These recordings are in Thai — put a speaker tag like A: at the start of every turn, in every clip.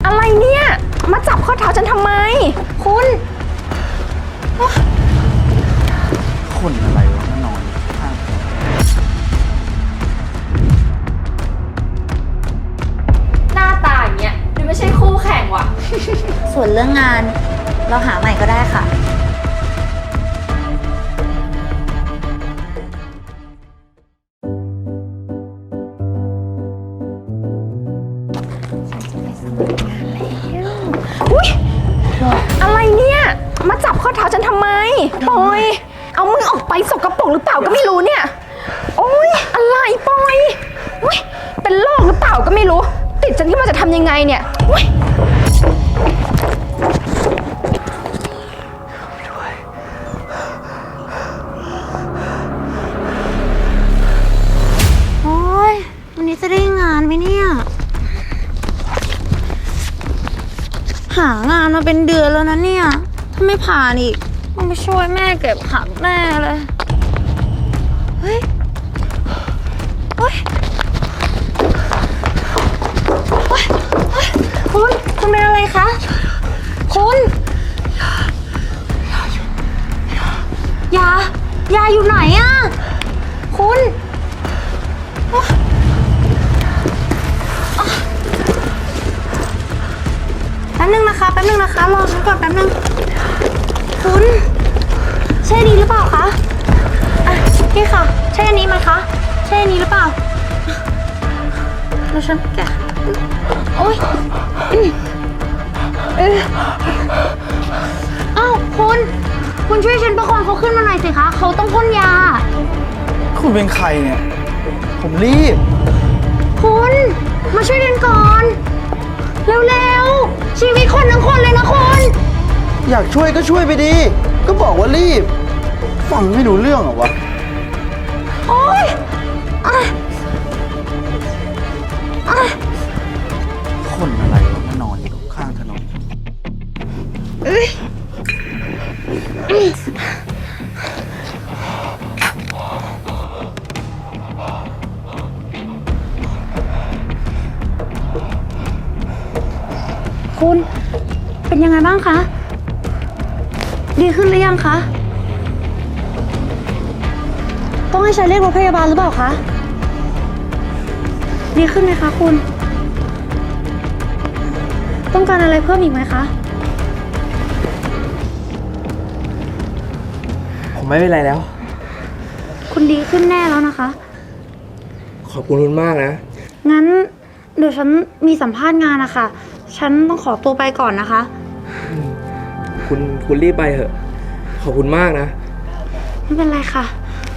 A: อะไรเนี่ยมาจับข้อเท้าฉันทำไมคุณ
B: คนอะไรวะมานอนข้าง
A: หน้าตาอย่างเงี้ยดูไม่ใช่คู่แข่งว่ะ
C: ส่วนเรื่องงานเราหาใหม่ก็ได้ค่ะ
A: อุ๊ยอะไรเนี่ยมาจับข้อเท้าฉันทำไมปอยเอามือออกไปสกปรกหรือเปล่าก็ไม่รู้เนี่ยโอ๊ยอะไรปอยอุ๊ยเป็นโรคหรือเปล่าก็ไม่รู้ติดฉันขึ้นมาจะทำยังไงเนี่ยอุ๊ย
C: โอ้ยวันนี้จะได้งานไหมเนี่ย หางานมาเป็นเดือนแล้วนะเนี่ย ถ้าไม่ผ่านอีกต้องไปช่วยแม่เก็บผักแม่เลย เฮ้ยเฮ้ยเฮ้ยเฮ้ยคุณเป็นอะไรคะ คุณยายาอยู่ไหนอะคุณ แป๊บนึงนะคะรอฉันก่อนแป๊บนึงคุณใช่อันนี้หรือเปล่าคะอ่ะนี่ค่ะใช่อันนี้ไหมคะใช่อันนี้หรือเปล่าแล้วฉันแกะโอ๊ยอ้าวคุณช่วยฉันประคองเขาขึ้นมาหน่อยสิคะเขาต้องพ่นยา
B: คุณเป็นใครเนี่ย ผมรีบ
C: คุณมาช่วยกันก่อนเร็วๆชีวิตคนทั้งคนเลยนะคุณ
B: อยากช่วยก็ช่วยไปดี ก็บอกว่ารีบ ฟังไม่รู้เรื่องเหรอวะ
C: โอ๊ยอ่ะอ่ะ
B: คนอะไรวะมานอนอยู่ข้างถนน
C: คุณเป็นยังไงบ้างคะ ดีขึ้นหรือยังคะ ต้องให้ฉันเรียกรถพยาบาลหรือเปล่าคะ ดีขึ้นไหมคะคุณ ต้องการอะไรเพิ่มอีกไหมคะ
D: ผมไม่เป็นไรแล้ว
C: คุณดีขึ้นแน่แล้วนะคะ
D: ขอบคุณมากนะ
C: งั้นเดี๋ยวฉันมีสัมภาษณ์งานนะคะ ฉันต้องขอตัวไปก่อนนะคะ
D: คุณรีบไปเถอะ ขอบคุณมากนะ
C: ไม่เป็นไรค่ะ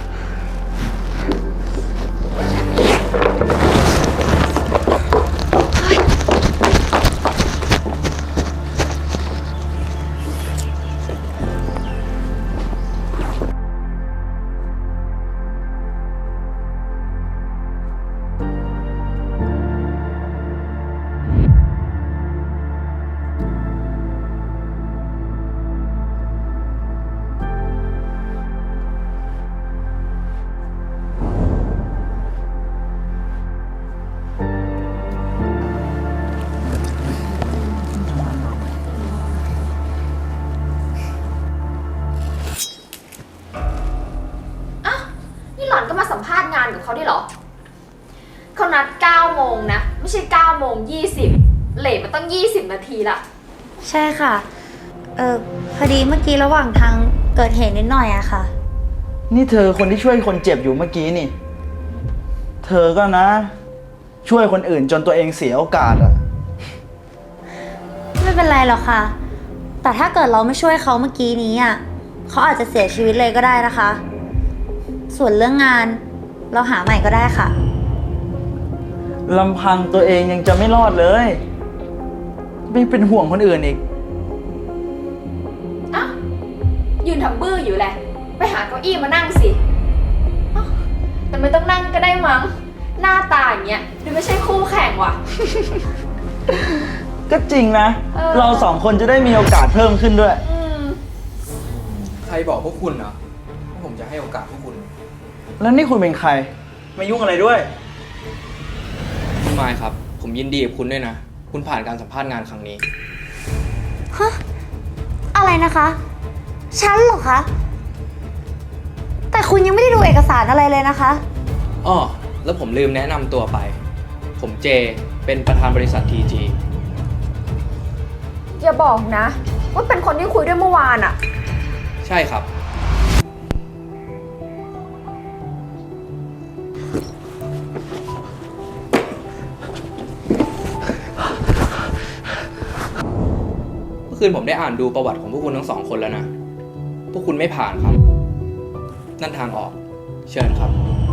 A: นี่หล่อนก็มาสัมภาษณ์งานกับเขาได้เหรอเขานัด9 โมงนะไม่ใช่9 โมง 20เลทมาตั้ง20 นาทีละ
C: ใช่ค่ะ พอดีเมื่อกี้ระหว่างทางเกิดเหตุนิดหน่อยอะค่ะ
B: นี่เธอคนที่ช่วยคนเจ็บอยู่เมื่อกี้นี่ เธอก็นะ ช่วยคนอื่นจนตัวเองเสียโอกาสอะ
C: ไม่เป็นไรหรอกค่ะ แต่ถ้าเกิดเราไม่ช่วยเขาเมื่อกี้นี้อะเขาอาจจะเสียชีวิตเลยก็ได้นะคะ ส่วนเรื่องงานเราหาใหม่ก็ได้ค่ะ
B: ลำพังตัวเองยังจะไม่รอดเลย ไม่เป็นห่วงคนอื่นอีก
A: อ้าวยืนทำบื้ออยู่แหละไปหาเก้าอี้มานั่งสิอ้าวแต่ไม่ต้องนั่งก็ได้มั้งหน้าตาอย่างเงี้ยดูไม่ใช่คู่แข่งว่ะ
B: ก็จริงนะ
A: เรา
B: เราสองคนจะได้มีโอกาสเพิ่มขึ้นด้วย
D: ใครบอกพวกคุณเหรอว่าผมจะให้โอกาสพวกคุณ
B: แล้วนี่คุณเป็นใคร มายุ่งอะไรด้วย
D: ไม่ครับ ผมยินดีกับคุณด้วยนะคุณผ่านการสัมภาษณ์งานครั้งนี้
C: ฮะ อะไรนะคะ ฉันเหรอคะ แต่คุณยังไม่ได้ดูเอกสารอะไรเลยนะคะ
D: อ้อ แล้วผมลืมแนะนำตัวไป ผมเจ เป็นประธานบริษัท TG
A: อย่าบอกนะ ว่าเป็นคนที่คุยด้วยเมื่อวานอะ
D: ใช่ครับ เมื่อคืนผมได้อ่านดูประวัติของพวกคุณทั้งสองคนแล้วนะ พวกคุณไม่ผ่านครับ นั่นทางออก เชิญครับ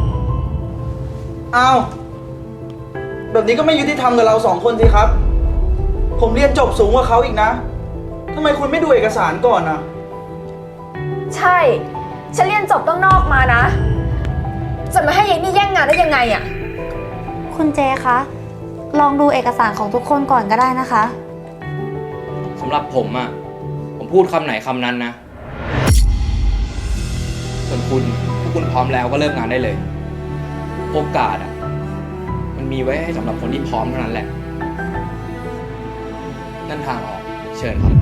B: อ้าว แบบนี้ก็ไม่ยุติธรรมกับเราสองคนสิครับ ผมเรียนจบสูงกว่าเขาอีกนะทำไมคุณไม่ดูเอกสารก่อนอ่ะ
A: ใช่ ฉันเรียนจบต้องนอกมานะ จะมาให้ยายนี่แย่งงานได้ยังไงอะ
C: คุณเจคะ ลองดูเอกสารของทุกคนก่อนก็ได้นะคะ
D: สำหรับผมอะผมพูดคำไหนคำนั้นนะ ส่วนคุณพวกคุณพร้อมแล้วก็เริ่มงานได้เลย โอกาสอะมันมีไว้ให้สำหรับคนที่พร้อมเท่านั้นแหละ นั่นทางออก เชิญครับ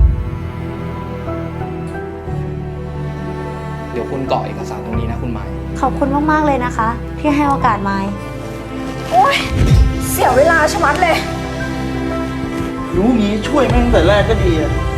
D: เดี๋ยวคุณกรอกเอกสารตรงนี้นะคุณไม้
C: ขอบคุณมากๆเลยนะคะ ที่ให้โอกาสไมค์
A: โอ๊ย เสียเวลาชะมัดเลย
B: รู้งี้ช่วยแม่งตั้งแต่แรกก็ดีอะ